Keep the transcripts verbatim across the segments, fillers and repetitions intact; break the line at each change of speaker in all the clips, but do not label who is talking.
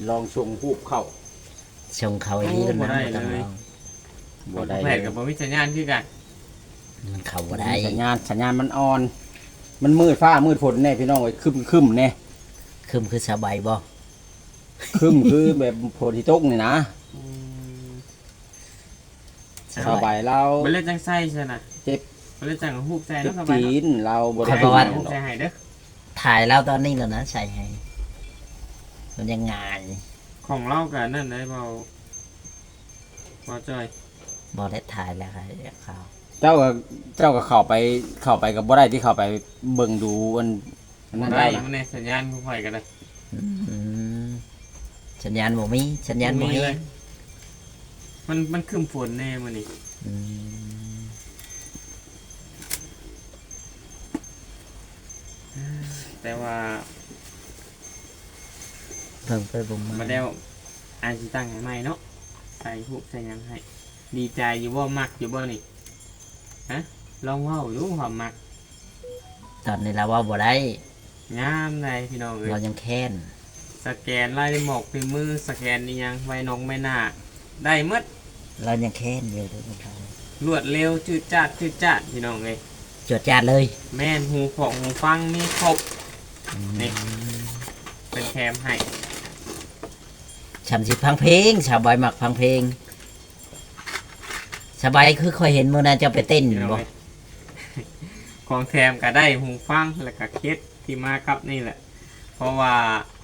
ลองชงฮูบเข้า
ชงเขาอีกแล้วนะบ่ต้องลอง
บ่ได้
แผดกับบ่มีสัญญาณคือกัน
มันเข้าบ่ได้
สัญญาณสัญญาณมันอ่อน มันมืดฟ้ามืดฝนแน่พี่น้องเอ้ยครึมๆแน่
คึมคือสบายบ่
ครึมคือแบบฝนที่ตกนี่นะสบายเรา
บ่เล่นจังไส้ใช่น่ะ
เจ็บ
บ่เล่นจังฮูบใส่
เจ็
เนาะ
บ
สบาย
จี
เนาะ
นเราบ่
ใส่
ได้
ฮูบใส่ให้เด้อ
ถ่ายแล้วตอนนี้แล้วนะใส่ให้มันยังงาน
ของเราก็นั่นได้เบาบ่จ้อย
บ่ได้ถ่ายแล้วครับเขา
เจ้าก็เจ้าก็เข้าไปเข้าไปกับบ่ได้ที่เข้าไปเบิ่งดูอันอันนั้น
ได้
ได้นะ
มันในสัญญาณข่อยก็ได้
อืมสัญญาณบ่มีสัญญาณบ่
มี
มี
เลยมันมันครึ้มฝนแน่มื้อนี้
อืม
แต่ว่า
เพิ่งไปบ่มา
บ่ได้อาจสิตั้งให้ใหม่เนาะใส่ฮูบใส่หยังให้ดีใจอยู่บ่มักอยู่บ่นี่ฮะลองเว้าดูความมัก
ตอนนี้เราว่าบ่ได้
งามเลยพี่น้องเอ้ย
เรายังแค้น
สแกนลายหมอกในมือสแกนนี่ยังไว้นองไม่น่าได้หมด
เรายังแค้นอยู่ทุกคน
รวดเร็วจืดจัดจืดจัดพี่น้องเอ้ย
จดจาดเลย
แม่นหูของหูฟังมีครบ นี่ เป็นแถมให้
ฉันสิพังเพลงสาวบอยมักพังเพลงสบายคือคอยเห็นมื้อนั้นเจะไปเต้น
พี่น้อง
บ่
เอ้ย ของแถมก็ได้หูฟังแล้วก็เคสที่มากับนี่แหละ เพราะว่า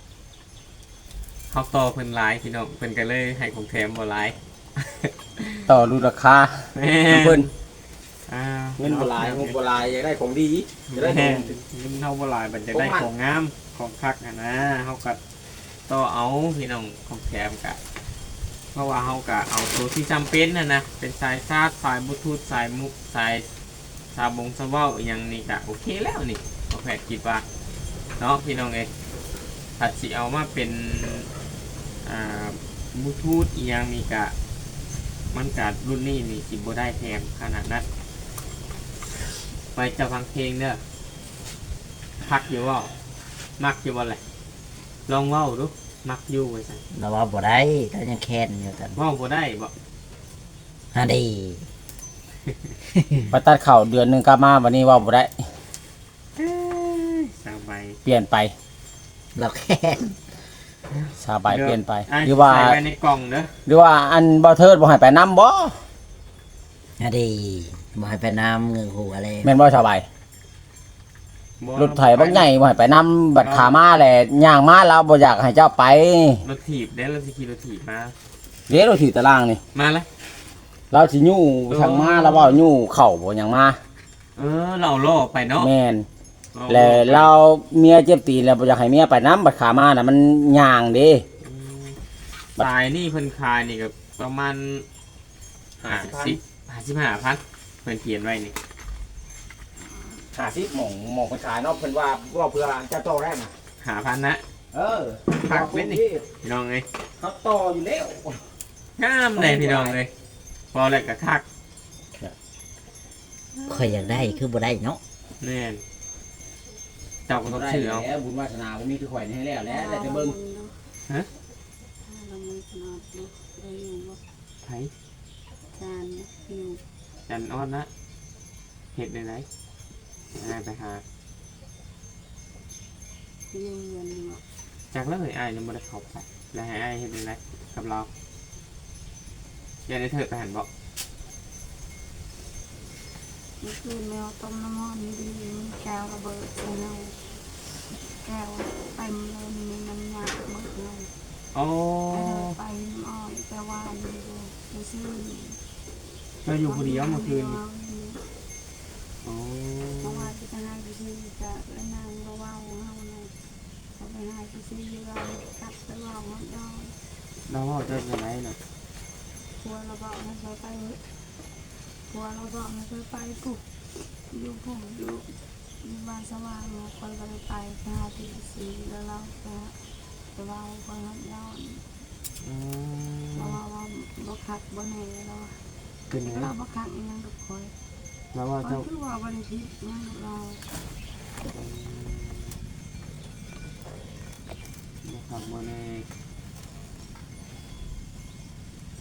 เขาต่อเพิ่นหลายพี่น้องเพิ่นก็เลยให้ของแถมบ่หลาย
ต่อรูราคา
แม่
เพิ่น
อ่า
เงินบ่หลายงบบ่หลายอยากได้ของดีจะได้ข
แม่
อง
เงินเท่าบ่หลายมันจะได้
ของมัน
ของงามของคักอ่ะนะเฮาก็ต่อเอาพี่น้องของแถมกะเพราะว่าเฮากะเอาตัวที่จำเป็นน่ะนะเป็นสายชาร์จสายบลูทูธสายมุกสายสาบงสะเว้าอหย่างนี้กะโอเคแล้วนี่เอาแผดคิดว่าเนาะพี่น้องเอ้ยถ้าสิเอามาเป็นอ่าบลูทูธอีหยังนี่กะมันกะรุ่นนี้นี่สิบ่ได้แถมขนาดนั้นไปจะฟังเพลงเด้อพักอยู่ว่ามักอยู่ว่าอะไรลองเว้าดูมักอยู่ไว้ใส่
เราว่าบ่ได้เรายังแค้นอยู่ตอน
เว้าบ่ได้บ่
ฮะดี
ไปตัดเข่าเดือนหนึงกลับมาวันนี้ว่าบ่ได้
สบาย
เปลี่ยนไป
เราแค้น
สบายเปลี่ยนไป
ะ
หรือว่า
ใส่ไว้ในกล่องเด้อ
หรือว่าอันบ่เทิดบ่ให้ไปนํบ่
ฮะดีบ่ให้ไปน้ำเงือกหัวเลย
แม่นบ่สบาย
บ่
รถไถบักใหญ่บ่ให้ไปนํบัดขามาแหละย่างมาแล้วบ่อยากให้เจ้าไป
รถถีบเด้อเราสิขี่รถถีบมา
เดี๋ยวเราถือตารางนี่
มาเลย
เราสิยู่ทางมาแล้วบ่ยู่เข้าบ่หยังมา
เออเราเอาล่อไปเนาะ
แม่น
อา
แล้ว
ไป
เราเมียเจ็บตีนแล้วบ่อยากให้เมียไปนํบัดขามาน่ะมันย่างเด้
อืมสายนี่เพิ่นขายนี่ก็ประมาณห้าสิบห้าสิบห้าพันเพิ่นเขียนไว้นี่
ห้าสิบหม่องหม่องเพิ่นขายเนาะเพิ่นว่าว่าเพื่อเจ้าโตแรกน่ะ
หาพันนะ
เออ
พักเว้นนี่ พี่น้องเอ้ย
เขาต่ออยู่แล้ว
งามเลยพี่น้องเลยพอแล้วก็คัก
คอยอยากได้คือบ่ได้เนาะ
แน่นเจ้าก็ต้องชื่อเอา
แล้วบุญวาสนาบ่มีคือข่อยนี่ให้แล้วแล้วแต่จะเบิ่ง
ฮะ
เราไม่ขนาดนี้ได้อยู่ว่า
ไผ
จานอยู่
จันอ้อนนะเห็ดในไหนอะไรไปหา
ยืนยันว่า
จากแล้วเฮ้ยไอ้ายยังไม่ได้เข้าไปแล้วให้ไอ้ายเห็ดในไหนกับเราอย่าได้เถิดไปหันบอก
เมื่อคืนแมวต้มน้ำมันดีแก้วระเบิดใส่เราแก้วเต็มเลยมีน้ำยาหมดเลย
โอ้
ไปอ้อยแต่ว่าอยู่ไปซื้อ
เราอยู่คนเดียวเมื่อคืนนี่โอ้
เพราะว่าจะไปให้ไปซื้อจะแล้วนางก็ว่าเฮาเลยเขาไปให้ไปซื้อเรากัดไปว่าเขาดอย
เราว่าจะยังไงเนาะ
กลัวเราบอกให้เขาไปกลัวเราบอกให้เขาไปปุ๊บอยู่ผมอยู่อยู่บ้านสว่างเราคนก็เลยไปไปหาที่สีแล้วเราก็ไปว่าคนเขาย้อน
อืม
เราว่าว่าบ่คักบ่แน่เรา
เป็นไง
เราบ่คักอีหยังกับคอย
เราว่า
คอ
เจ้าย
คือว่าบ่ได้ผิดอิหยังกับเรา
นะครับโมเน่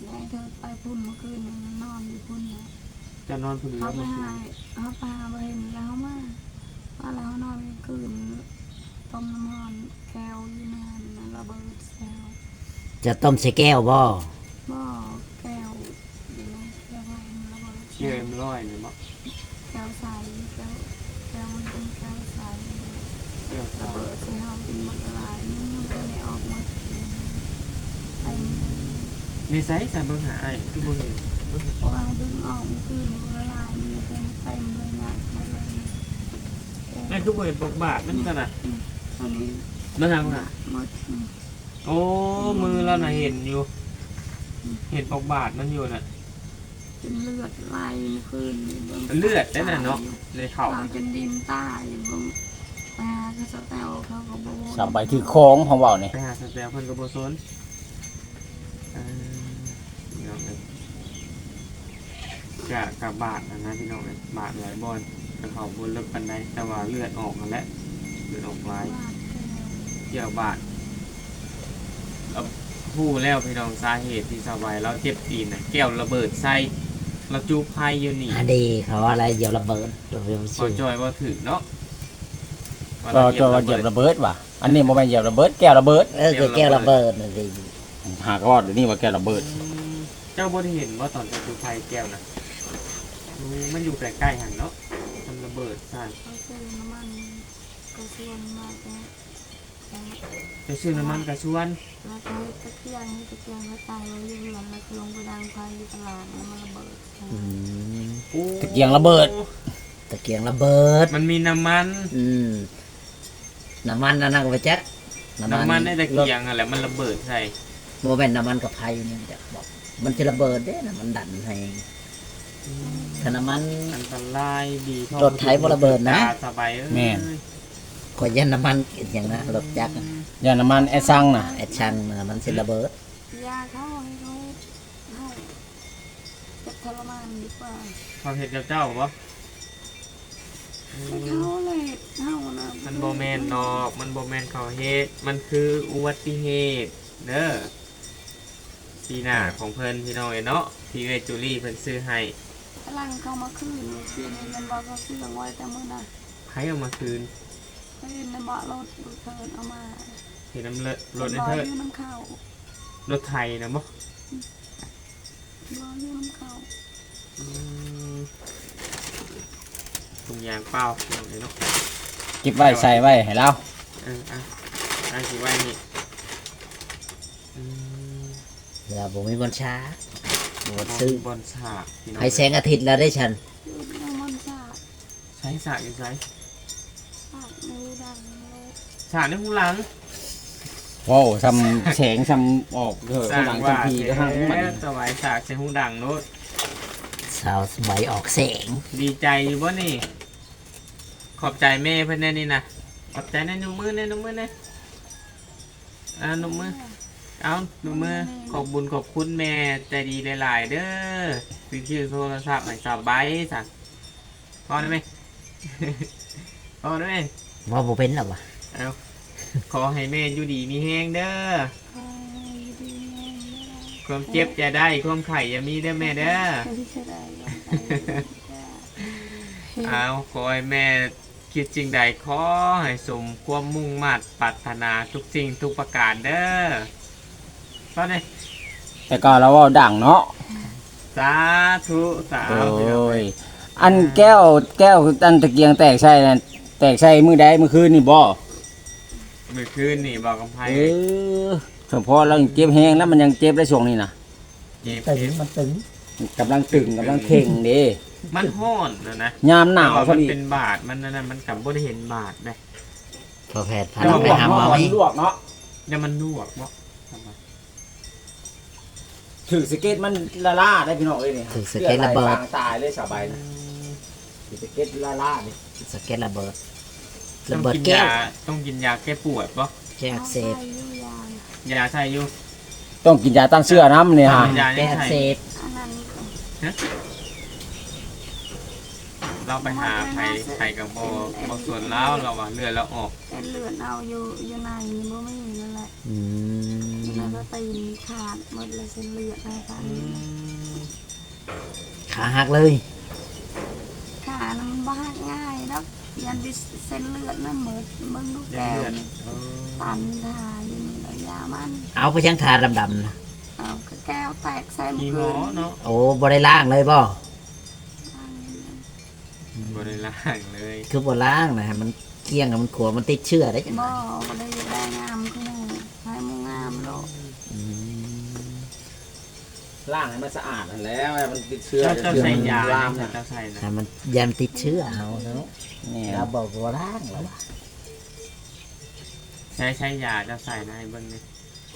ให้เธอไปพุ่นเมื่อคืนนอนอยู่พุ่นนะ
จะนอนผู้เดีย
เขา
ว
ไป
เมื่อคื
หาน เขาไปหาเห็นแล้วมาว่าแล้วนอนคืนต้มน้ำมันแก้วอยู่นานนะระเบิดแก้ว
จะต้มใส่แก้วบ่
บ่อแก้วอยู่ในแก้วระเบิด
เชื่อมร้อยเลยมั้ง
แก้วใสแก้วแก้วมันเป็นแก้วใส
เชื่อม
ระเบิดใส่ห้องเป็นมันละลายนี่มันก็ไม่ออกมาไอ้
ในไซส์สามเบอร์หาไอ้ที่บนเห็น
พวกเราดึงออกมันคือมันละลายมันเป็นเต็มเลยนะมาเลย
ไอ้ทุกบนเห็นปกบาทมันกันนะ
ตอนนี้
มันทางน่ะ
หมด
โอ้มือเราน่ะเห็นอยู่ เห็นปกบาทมันอยู่น่ะ
เป็นเลือดไหลคืน
เลือดได้น่ะเนาะเลยเข่า
เราจนดินตายบางปลาก็สแตลเขาก็บอก
สบายถือของของเว้านี่
ไปหาสแตลเพิ่นกับโบโซนเอ่อพี่น้องเอ้ยกะกะบาดนะนะพี่น้องเอ้ยบาดหลายบอลกระเขาบนเลิกปันไดแต่ว่าเลือดออกมาแล้วเลือดออกหลายเกี่ยวบาดเราพูดแล้วพี่น้องสาเหตุที่สบายเราเจ็บตีนน่ะแก้วระเบิดใส่เราจูไพอยู่นี่
อันดีเขาว่าอะไรเดี๋ยวระเบิดเดี๋ยว
พอ
ชื่อ
จอยว่าถือเนาะว่า
ก็
เรา
จะว่าเหยียบระเบิดว่ะอันนี้บ่แม่นเหยียบระเบิดแก้วระเบิด
เออคือแก้วระเบิดนั่นสิ
หากว่าเดี๋ยวนี้ว่าแก้วระเบิด
อืมเจ้าบ่ได้เห็นว่าตอนจะจูไพแก้วนะอืมมันอยู่ใกล้ๆหันเนาะมันระเบิดใส่
เขาซื้อน้ำมันก็ชวนมาแก
จะซื้อน้ำมันกระชวน
แล้วก็ให้ตะเกียงให้ตะเกียงแล้วตายไว้อยู่หลังแล้วก็ลงไปดังไฟอยู่ตลาดแล้วมันระเบิด
อืม
ตะเกียงระเบิด
ตะเกียงระเบิด
มันมีน้ำมัน
อืมน้ำมันนั่นนะก็ไปแจ็ค
น้ำมันในตะเกียงอะไรมันระเบิดใส่
โมเป็นน้ำมันกับไฟนี่จะบอกมันจะระเบิดเด้นะมันดันให้ถ้าน้ำมัน
อันตรายดีท่อ
รถไถบ่ระเบิดนะ
ตาสบายเอ้ย
แม่น
ขอยยันน้ำมันอย่างนะรถจักรน่ะ
ยาน้ำมันไอ้ซังน่ะ
ไอ้ชังน่ะมันสิระเบิด
ยาเขาให้เขาให้จะทรมานดีกว่า
ความเห็นเจ้าๆบ่
แต่เขาเลยเขานะ
มันโบแมนดอก มันโบแมนเขาเฮ็ดมันคืออุบัติเหตุเด้อปีหน้าของเพิ่นพี่น้องเนาะที่เวจูรี่เพิ่นซื้อให้
พลังเขามาคืนคืนเงินบอกเขาซื้อไว้แต่เมื่อน่ะ
ใครเอามาคืน
คืนในเบาะรถดูเทินเอามา
เห็นน้ำเลอะรถ
ร
ใน
อ
เทิด
อยู่น้ำเข้าร
ถไทยนะบ่
รออยู่น้ำเข้า
อืมถุงยางเปล่าพี่น้องเนาะ
เก็บไว้ใส่ไว้ให้เรา
เอออ่ะอ่ะสิไว้นี่อืม
แล้วผมมีบนช้าบนซื้อบ
อลฉากพี่น้อง
ให้แสงอาทิตย์แล้วได้ฉัน
อยู่ในมันสาด
ใช้ฉากอยู่ใช้
สาดในดังเลย
ฉากในหูหลัง
ว้าวซ้ำแสงซ้ำออกเถอะข้างหลังทันทีก็ห้างมัน
สบายฉากใช้หูดังโน้ต
สาวสมัยออกแสง
ดีใจอยู่บ่นี่ ขอบใจแม่เพื่อนแน่นี่นะขอบใจแน่นุ่มมือแน่นุ่มมือแน่อ่านุ่มมือเอานุ่มมือขอบบุญขอบคุณแม่ใจดีหลายๆเด้อซื้อชื่อโทรศัพท์ใหม่สบายสักพอได้ไหม พอได้ไหม
ว่าโมเป็นหรอวะ
เอาขอให้แม่อยู่ดีมีแห้งเด้อ
คอยดีแม่
ความเจ็บจะได้ความไข่อย่ามีเด้อแม่เด้อ
ที่จะได้
เอาขอให้แม่คิดจริงใดขอให้สมความมุ่งมั่นปรารถนาทุกสิ่งทุกประการเด้อตอนนี้
แต่ก็เราเว่าดังเนาะ
สาธุสา
โอ
ธุ
้ยอันแก้วแก้วอันตะเกียงแตกใส่นั่นแตกใส่มือใดมือคืนนี่บ่
เมื่อคืนนี่บอกกับไพ่
เออสมพอเรายังเจ็บแห้งแล้วมันยังเจ็บได้ช่วงนี้นะ
เจ็บ
ตึงมันตึง
กำลังตึงกำลังเข่งเด้
มันห้อนนะนะ
ยามหนาว
แต่
พอ
มัน
ดี
เป็นบาดมันนั่นนะมันกับบ่ได้เห็นบาดเลย
พอแพทย์พา
ล
เรา
วก
ไปหาหมอ
เนาะ
ไหม
ลวกเนาะ
เนี่ยมันลวกบ่ทำไม
ถือสเก็ตมันละล่าได้พี่น้องเอ้ยนี่
ถือสเก็ตระเบิ
ลือ
ด
ไหลบางตายเลยสบายนะถือสเก็ตละล่านี่
สเก็ตระเบิด
ต้
ระ
อง
เบิด
กิน
แก้วย
าต้องกินยาแก้ปวดบ่
แก้อักเสบ
ยาใช่อยู่
ต้องกินยาต้านเสื้อน้ำเนี่ยฮะ
ยา
แก้
นี่
อัก
ใช่
เสบ
อันนั้น
เราไปหาไผ่ไผ่กับโบโบส่วนแล้วเราว่าเลือดเราออก
เป็นเลือดเอาอยู่อยู่ในนี่บ่มีนั่นแหละ
อืม
แล้วไปก็ตีนขาดหมดเลยเส้นเลือดอะไรกัน
อืม
ขาหักเลย
ขามันบ้าง่ายแล้วยันดิเส้นเลือดนั่นหมดมึงลูก
ยัง
แก้ว
เลือด
นี่
เออ
ตันทาอยู่นี่ระยะมัน
เอาไปยังทาดำๆนะ
เอาแก้วแตกใส่
มีหมอเนาะ
โอ้บ่ได้ล้างเลยบ่
บ่ได้ล้างเลย
คือบ่ล้างนะมันเกลี้ยงอะมันขัวมันติดเชื้อได้จังได
บ่บ่ได้ได้งามขึ้นให้มูงามโลก
อืม
ล้างให้มันสะอาดนั่นแหล้วมันติดเชื้อ
เจ้าเจ้าใส่ยา
ลาม
เนี่ย
นะ
เจ้าใส่นะ
ให้มันยันติดเชื้อเอาเนาะ
นี่
เราบอกบ่ล้างแล้วว่ะ
ใช้ใช้ยาเจ้าใส่นะให้เบิ่งนี่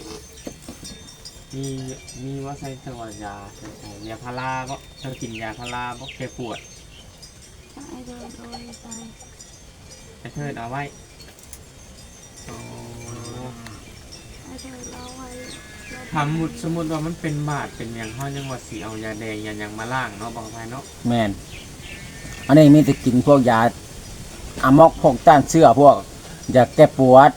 มีมีว่าใส่ตัวยาใส่ใส่ยาพาราบ่เจ้ากินยาพาราบ่แก้ปวด
ใช่โดยโดยไป
ไอ้เทิดเอาไว้อ๋อ
ให้เธอเล่าไว้
ทำมุดสมมุติว่ามันเป็นบาดเป็นอย่างห้อยังว่าสีเอายาแดงยาหยังมาล้างเนาะบอกไปเนาะ
แม่นอันนี้มีแต่กินพวกยาอะมอกพวกต้านเชื้อพวกยาแก้ปวด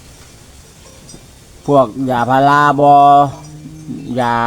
พวกยาพาราบยา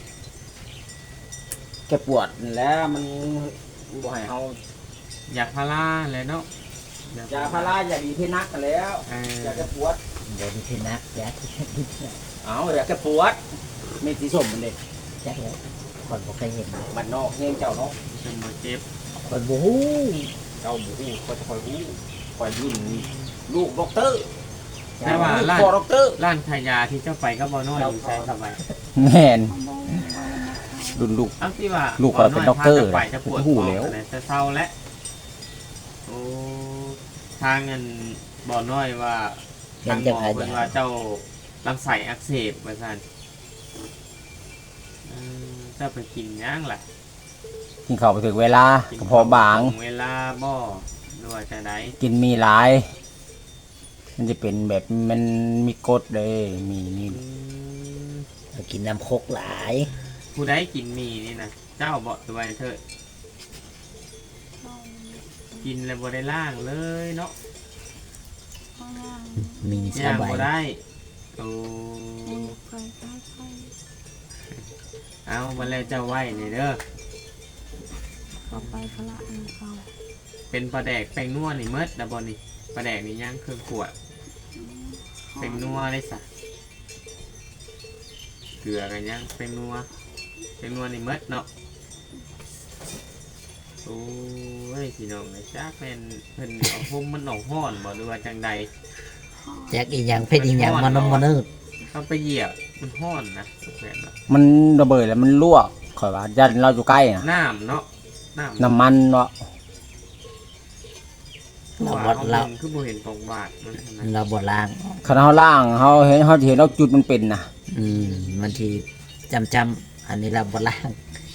แก้ปวดนั่นแหล้วมันบ่ให้เฮาย
าพาราเลยเนาะ
ยาพารายาดีที่นักนั่นแหล้ว
เออย
าแก้ปวด
เดี๋ยวนี้ที่นักยาที่ที่
เอายาแก้ปวดเม็ดสีส้มมันเด็ก
จักเลยคนบ่เคยเห็น
บ้านนอกเงี้ยเจ้าเนาะ
จนมาเจ็บ
คนบ่ฮู้
เจ้าบุ้งคอยจะคอยรู้คอยยุ่นลูกด็อกเตอร์
แต่ว่าร้าน
พ่อด็อกเตอร์
ร้านขายยาที่เจ้าไปก็บ่น้อยอยู่ใช่สบาย
แม่น
ของโบราณนะคะ
รุ่นลูก
เอาที่ว่า
ลูกเขาเป็นด็อกเตอร์
พาจะไปจะปวด
หูแล้ว
อะไรจะเศร้าแล้วโอ้ทางเงินบ่น้อยว่า
ยั
ทาง ง
จะ
หมอ
พา
เป็น
ยา
ว่าเจ้าลำไส้อักเสบว่าซั่นเออเจ้าไปกินหยังล่ะ
กินข้าวไปถึงเวลา
กิน
กระเพาะบาง
ตรงเวลาบ่หรือว่าจะได
กินมีหลาย มันจะเป็นแบบมันมีกรดเลยมีนี่
อืม
เรากินน้ำโคกหลาย
ผู้ใดกินหมีนี่นะเจ้าบ่ตัวไว้เถิด
เอา
กินแล้วบ่ได้ล่างเลยเนาะ
เอางาม
มีส
ย่าง
บาย
บ่ได้โอ้
ไปไปไป
เอาบ่แล้วเจ้าไว้นี่เด้อ
ก็ไปพละอันเขา
เป็นปลาแดกแป้งนัวนี่เมดนะบ่นี่ปลาแดกนี่ย่างเครื่องขวดแป้งนัวได้ซะเกลือกันย่างแป้งนัวแป้งนัวนี่เมดเนาะโอ้ยพี่น้องไอ้จักแม่นเพิ่นเอาพุ่มมันออกห้อนบ่หรือว่าจังใด
แจ็คอีหยังเพชรอีหยังมันนมมันนึก
เอาไปเหยียบมันห้อนนะแฟนเนาะ
มันระเบิดแล้วมันลวกข่อยว่ายันเราอยู่ใกล้นะ
น้ำเนาะน้ำ
น้ำมันเนาะ
คือ
เรา
ว่า
บ่
เขา
เรา
เห็นคือบ่เห็นตรงบาทมันนะ
เราบ่ล้าง
ขณะเขาล่างเขาเห็นเขาเห็นเราจุดมันเป็นนะ
อืมมันทีจำจำๆอันนี้เราบ่ล้าง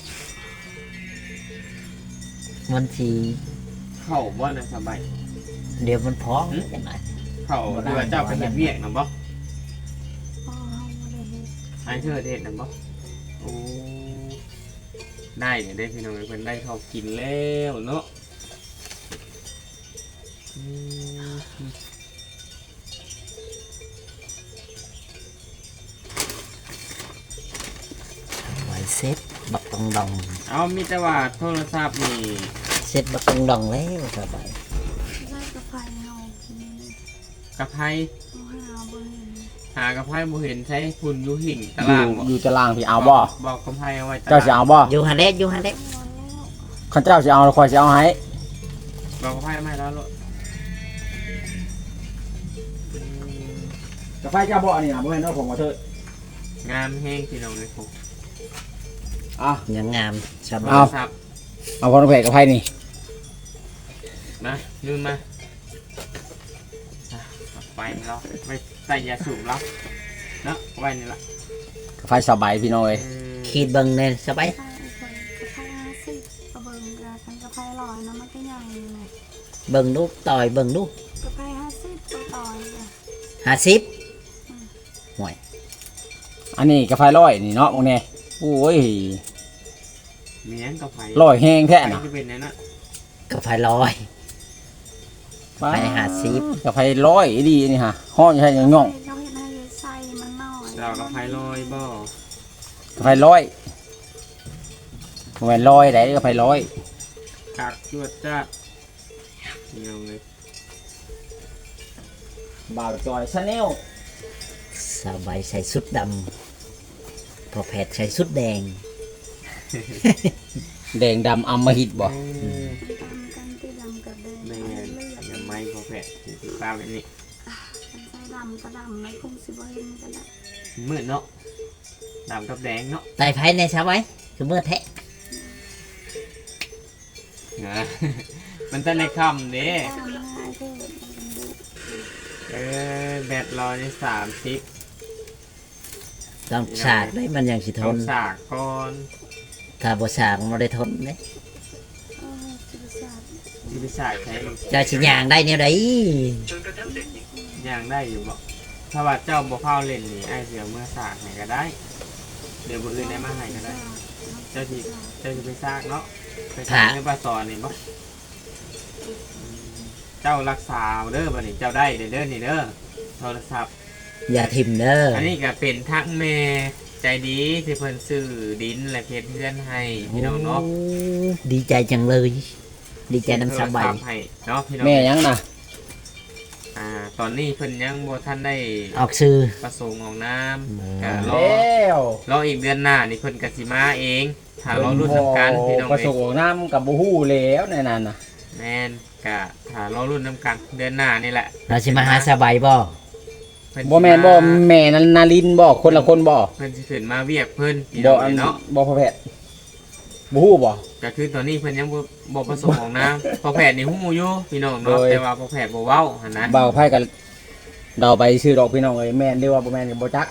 มันที
เข้าบ่นะสบาย
เดี๋ยวมันพองจังไง
เข้าหรือว่าเจ้าไปเฮ็ดเวียกนำบ่
พ่อเขาไม่ได้เห็น
ให้เธอเฮ็ดนำบ่โอ้ได้เนี่ยได้พี่น้องเพิ่นได้เข้ากินแล้วเนาะอืม
ไว้เซ็ตบักตองดอง
เอามีแต่ว่าโทรศัพท์นี่
เซ็ตบักตองดองแล้วสบาย
ได้กระไฟเขากิน
กระไพ
เขาหาบ่เห็น
หากระไพบ่เห็นใช้ฝุ่นอยู่หิ่งตา
อยู่
รางบ่
อยู่ตารางพี่เอาบ่
บอกกระไพเอาไว้ตาราง
เจ้าจะเอาบ่
อยู่ฮันเด็อยู่ฮันเด็
เอาแล้ว
ข้าเจ้าจะเอาคอยจะเอาให้
บอกกระไพไม่แล้วลูก
กาแฟเจ้าบ่นี่นะบ่เห็นเนาะผมขอโทษ
งามแห้งพี่น้องเลยผม
อ่ะ
ยังงามสบา
โท
ย
รศัพท์
เอาพอน้ำแข็งกาแฟนี่
มาลืมมาอ่ะเอาไปเราไปใส่ยาสูบเราเนาะเอาไว้นี่ละ
กาแฟสบายพี่น้อย
เออ
ขีดเบิ่งเนี่ยสบาย
ไปไปกระไฟห้าสิบกระเบิงกระกันกระไฟลอยนะมันก็ใหญ่เลย
เบิ่งลูกต่อยเบิ่งลูก
กระไฟห้าสิบตัวต่อยเลย
ห้าสิบ
อันนี้กาแฟร้อยนี่เนาะพวกนี้โอ้ย
เมียนกับไผ่
ร้อยแห้งแท้
ไผ่
นะ
จะเป็นไงนะ
กาแฟลอย ไฟห้าสิบ
กาแฟร้อยดีนี่ฮะห้องใช่ยังย่อง
เขาเห็นให้ใส่มันน้อย
เราาวกับไพลอยบ่
ไฟร้อยไฟร้อยไหนก็ไฟร้อย
กักจวดจ้าพี่น้องเลย
บ่าวจอยชาแนล
สบายใส่ชุดดำพอแพทย์ใส่ชุดแดง
แดงดำอำมหิตบ่
เออ
ตามกันที่ดำกับแดง
แม่
เลือด
อย่าไม่พอแผลติดตามแบบนี้
มันใส่ดำก็ดำแล้วคงสิบ่เห็นกันละ
มืดเนาะดำกับแดงเนาะ
ไต่ไผ่ในสบายคือเมื่อแทะ
นะ มันจะในคำเด้
ตามมาเถิดมันดู
เออแบตรอในสามสิบ
ต้องสากได้มันยังสิท
เอา
น
สากก่อน
ถ้าบ่สากมันได้ทนเด้
เออจิตศาสตร์
ที่ไปสากใช้
เจ้าสิย่างได้แนวใด
ย่างได้อยู่บ่ถ้าว่าเจ้าบ่เข้าเล่นนี่ไอ้เสียเมื่อสากให้ก็ได้ เดี๋ยวบ่อื่นได้มาให้ก็ได้ เจ้าที่เจ้าที่ไปสากเนาะไปสากในปลาซอนนี่บ่เจ้ารักษาเด้อบัดนี้เจ้าได้เด้อเด้อนี่เด้อโทรศัพท์
อย่าทิมเด้อ
อั
อั
นนี้ก็เป็นทักแม่ใจดีที่เพิ่นซื้อดินและเพชรเพื่อนให้พี่น้องเนาะ
ดีใจจังเลย ดีใจน้ำสบาย
โทรศัพท์ให้เนาะพี่น้อง
แม่ยังน่ะ
อ่าตอนนี้เพิ่นยังบ่ทันได้
ออกซื้อ
ประสงค์ของน้ำ
อืม
ก็ร
แล
อ้
ว
รออีกเดือนหน้านี่เพิ่นก็สิมาเองถ้ารอรุ่นนำกันพี่น้อง
ประ
เอ้
ส
ย
บของน้ำกับบูฮู้แล้วในนั้นน่ะ
แม่นก็ถ้ารอรุ่นนำกันเดือนหน้านี่แหละ
เราสิมาหาสบายบ่
เพิ่นสิ
บ่แม่นบ่แม่นันนารินบ่คนละคนบ่
เพิ่นสิขึ้นมาเวียกเพิ่นพี่
บ่
น้อง
อัน
เอ้ยเนาะ
บ่พอแพทย์บูฮู้บ่
ก็คือตอนนี้เพิ่นยังบ่บ่ประสงค์ของน้ำพอแพทย์นี่ฮู้อยู่พี่น้องเนาะ
โดย
แต่ว่าพอแพทย์บ่เว้าหั่นนะ
บ่าวไพ่กันเดาไปชื่อดอกพี่น้องเอ้ยแม่นหรือว่าบ่แม่นก็บ่จัก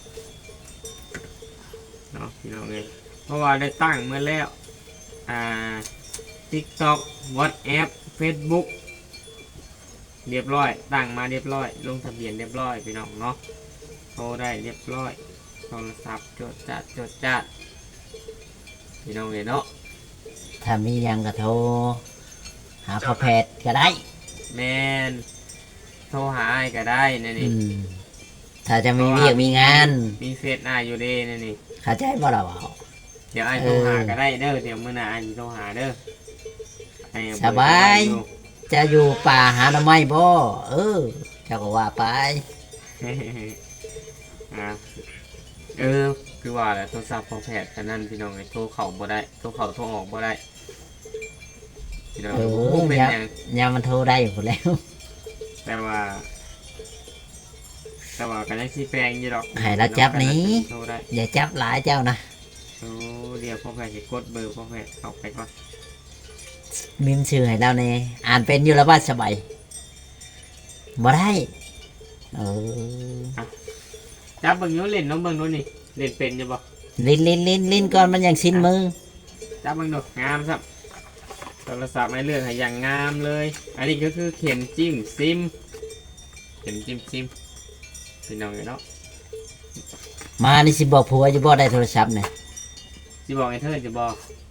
เนาะพี่น้องเอ้ยเพราะว่าได้ตั้งเมื่อแล้วอ่า TikTok WhatsApp Facebook เรียบร้อยตั้งมาเรียบร้อยลงทะเบียนเรียบร้อยพี่น้องเนาะโทรได้เรียบร้อยโทรศัพท์จดจัดจดจัดพี่น้องเอ้ยเนาะ
ถ้ามีหยังก็โทรหาพ่อแพทย์ก็ได้
แมนโทรหาอ้ายก็ได้นี่
อื
นี่
มถ้าจะมีเวียกมีงาน
มีเฟซอ้ายอยู่เด้นี่นี่
เข้าใจบ่ล่ะว่า
เดี๋ยวอ้ายโทรหาก็ได้เด้อเดี๋ยวมื้อหน้าอ้ายสิโทรหาเด้อให้เอเบอร์
สบาย
อยู่
จะอยู่ป่าหาหน่อไม้บ่เออเจ้าก็ว่าไป
อ่ะเออคือว่าแหละโทรศัพท์ของแพทย์อันนั้นพี่น้องไอ้โทรเข้าบ่ได้โทรเข้าโทรออกบ่ได้พี่น้อง
เออ
บ่เป็น
ยา
หยัง
ยามมันโทรได้อยู่แล้ว
แต่ว่า แต่ว่าก็ยังสิแปลงอยู่ดอก
ให้เราจับหนี้
โทรได้
อย่าจับหลายเจ้านะ
โอ้เดี๋ยวพ่อแพทย์สิกดเบอร์พ่อแพทย์เข้าไปก่อน
มิมชื่อให้เราแน่อ่านเป็นอยู่แล้วว่าสบายบ่ได้เออ
จับเบิ่งอยู่เล่นน้องเบิ่งดูนี่เล่นเป็นอยู่บ่
ลิ้นลิ้นลิ้นลิ้นก่อนมันยังสิ้นมือ
จับเบิ่งดูงามครับโทรศัพท์ไม่เลือกให้อย่างงามเลย อันนี้ก็คือเข็มจิ้มซิมเข็มจิ้มซิมพี่น้องเนาะ
มานี่สิบอกผัวอยู่บ่ได้โทรศัพท์เนี่ย
สิบอกไอ้เธอจะบอก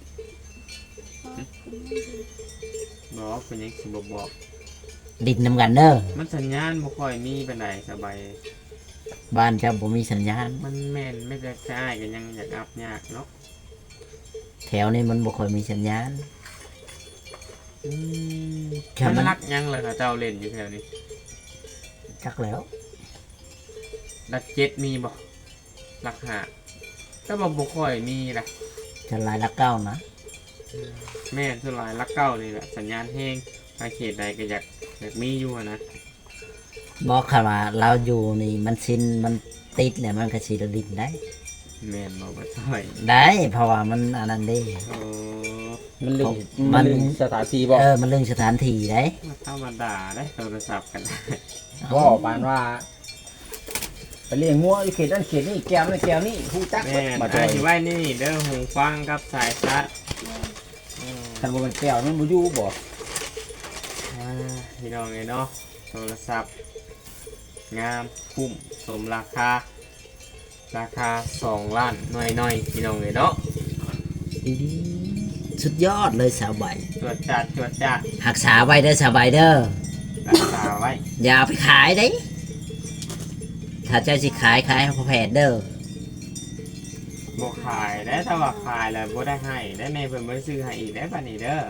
เพราะคุณไม่ดี
บอกเป็นยังสิบอกบอก
ดินนำกันเด้อ
มันสัญญาณบ่ค่อยมีปานใดสบาย
บ้านเจ้าบ่มีสัญญาณ
มันแม่นไม่ได้ใช้กันยังอยากอัพยากเนาะ
แถวนี้มันบ่ค่อยมีสัญญาณ
อืม
แค่
มัน
มัน
รักยังเลยค่ะเจ้าเล่นอยู่แถวนี้
จักแล้ว
รักเจ็ดมีบ่รักหาก็บอกบ่ค่อยมีล่ะ
จะลายละเก้านะ
แม่นส่วนหลายรักเก้านี่แหละสัญญาณแห้งไปเขตใดก็อยากอยากมีอยู่อะนะ
บอกค่ะว่าเราอยู่นี่มันสิ้นมันติดเนี่ยมันก็สิดินได้
แม่นบอกว่าช่วย
ได้เพราะว่ามันอันนั้นเด้
โอ้
มันลึง
มั
มัน นลึงสถานที่บ่
เออมันเรื่องสถานที่ได้
มาธรรมดาได้โทรศัพท์กัน
บ่ปานว่าไปเลี้ยงงัวอยู่เขตนั้นเขตนี้แก้วนั่นแก้วนี้ฮู้จัก
แม่น
บ่จ
ไอ้
อย
ที่ไว้นี่เด้อหูฟังกับสายชาร์จอืม
คันบ่มันแก้วมันบ่อยู่บ่
อ่าพี่น้องเลยเนาะโทรศัพท์ งามคุ้มสมราคา ราคาสองล้านหน่อยๆพี่น้องเลยเนาะ
ดีๆสุดยอดเลยสาวใบ
ตรวจจัดตรวจจัด
หักษาไว้เด้อสาวใบเด้อ
รักษาไว้
อย่าเอาไปขายได้ถ้าถ้าเจ้าสิขายขายให้พ่อแพทย์เด้อ
บ่ขายได้ถ้าว่าขายแล้วบ่ได้ให้ได้แม่เพิ่นบ่ได้ซื้อให้อีกได้บัดนี้เด้อ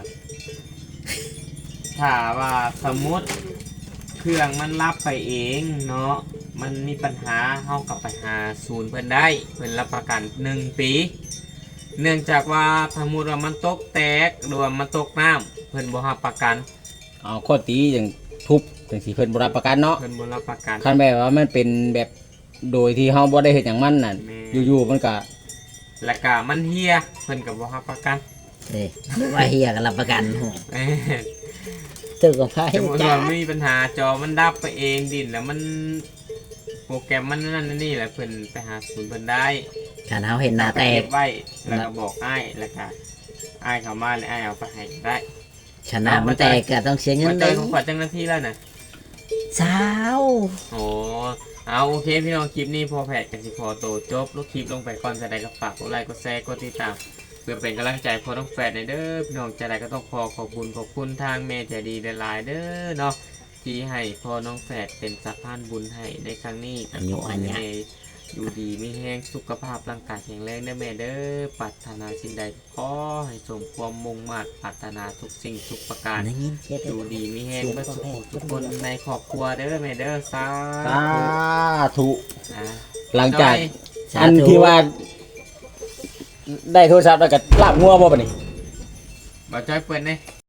ถ้าว่าสมมุติเครื่องมันรับไปเองเนาะมันมีปัญหาเฮากลับไปหาศูนย์เพิ่นได้เพิ่นรับประกันหนึ่งปีเนื่องจากว่าสมมุติว่ามันตกแตกหรือว่ามันตกน้ำเพิ่นบ่รับประกัน
เอาข้อตีอย่างทุบจังสิเพิ่นบ่รับประกันเนาะ
เพิ่นบ่รับประกัน
คันแบบว่ามันเป็นแบบโดยที่เฮาบ่ได้เฮ็ดหยังมันน่ะ
แม่
อยู่ๆมันก็
แล้วก็มันเฮียเพิ่นก็บ่รับประกัน
เด้หรือว่าเฮียก็รับประกันโห
แม่
ตึกกับไพ่
สมมุติ
จ้า
ว่ามีปัญหาจอมันดับไปเองดินแล้วมันโปรแกรมมันนั่นนี่แหละเพิ่นไปหาศูนย์เพิ่นได้
การเฮาเห็นหน้าแต
เก็
ก
บไว้แล้วก็บอกอ้ายแล้วก็อ้ายเข้ามาแล้วอ้ายเอาไปให้ได้
ชนะมันแตกก็ต้องเสียเงิ
มาน เจ
เด้
อ
อ
ของขวัญเจ้าหน้าที่แล้วนะ
สาว
โอ้เอาโอเคพี่น้องคลิปนี้พอแผดกันสิพอโตจบลูกคลิปลงไปก่อนจะได้ก็ฝากกดไลค์กดแชร์กดติดตามเพื่อเป็นกำลังใจพอต้องแฟดในเด้อพี่น้องจะได้ก็ต้องขอขอบคุณขอบคุณทางเมย์ใจดีหลายๆเด้อเนาะที่ให้พอน้องแฝดเป็นสะพานบุญให้ในครั้งนี้ก็ขอให้แม่อยู่ดีมีแห้งสุขภาพร่างกายแข็งแรงเด้อแม่เด้อปรารถนาสิ่งใดขอให้สมความมุ่งมั่นปรารถนาทุกสิ่งทุกประการ
ได้ยินเสีย
อ
เด้
ยู่
อ
ดีมีแห้งเมื่อสุขทุกคนในครอบครัวเด้อแม่เด้อสา
สาธุ
อ่า
หลังจาก
สา
อัน
ธุ
ที่ว่า ได้โทรศัพท์แล้วก็ลาบงัวบ่บัดนี้
บ่จ้อยเปิดเลย